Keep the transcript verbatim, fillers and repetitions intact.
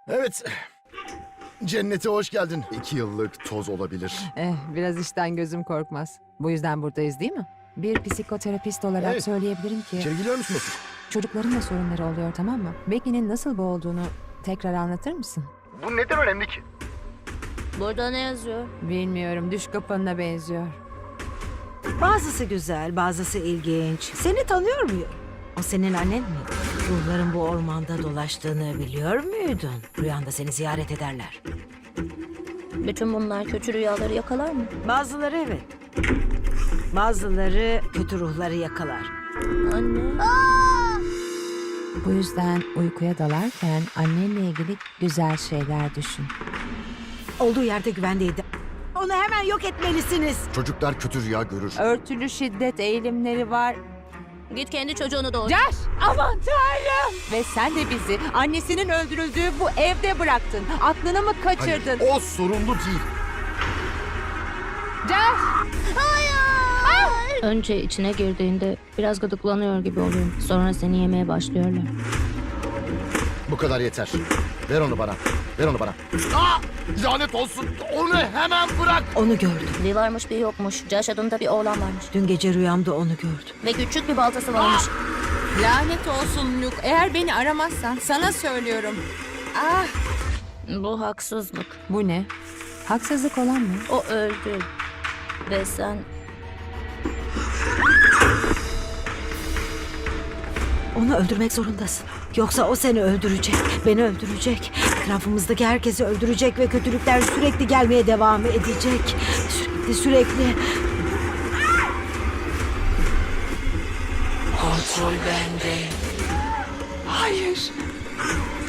Evet. Cennete hoş geldin. İki yıllık toz olabilir. Eh, biraz işten gözüm korkmaz. Bu yüzden buradayız değil mi? Bir psikoterapist olarak Evet. söyleyebilirim ki İçeri giriyor musunuz? çocukların da sorunları oluyor, tamam mı? Becky'nin nasıl boğulduğunu tekrar anlatır mısın? Bu neden önemli ki? Burada ne yazıyor? Bilmiyorum, düş kapanına benziyor. Bazısı güzel, bazısı ilginç. Seni tanıyor muyum? O senin annen mi? Ruhların bu ormanda dolaştığını biliyor muydun? Rüyanda seni ziyaret ederler. Bütün bunlar kötü rüyaları yakalar mı? Bazıları evet. Bazıları kötü ruhları yakalar. Anne. Bu yüzden uykuya dalarken annenle ilgili güzel şeyler düşün. Olduğu yerde güvendeydi. Onu hemen yok etmelisiniz. Çocuklar kötü rüya görür. Örtülü şiddet eğilimleri var. Git kendi çocuğunu doğur. Josh! Aman tanrım! Ve sen de bizi annesinin öldürüldüğü bu evde bıraktın. Aklını mı kaçırdın? Hayır, o sorumlu değil. Josh! Önce içine girdiğinde biraz gıdıklanıyor gibi oluyor. Sonra seni yemeye başlıyorlar. Bu kadar yeter. Ver onu bana. Ver onu bana. Aa! Lanet olsun. Onu hemen bırak. Onu gördüm. Bir varmış bir yokmuş. Josh adında bir oğlan varmış. Dün gece rüyamda onu gördüm. Ve küçük bir baltası varmış. Lanet olsun Luke. Eğer beni aramazsan sana söylüyorum. Ah! Bu haksızlık. Bu ne? Haksızlık olan mı? O öldü. Ve sen... Onu öldürmek zorundasın. Yoksa o seni öldürecek, beni öldürecek. Etrafımızdaki herkesi öldürecek ve kötülükler sürekli gelmeye devam edecek. Sürekli sürekli. Kontrol bende. Hayır.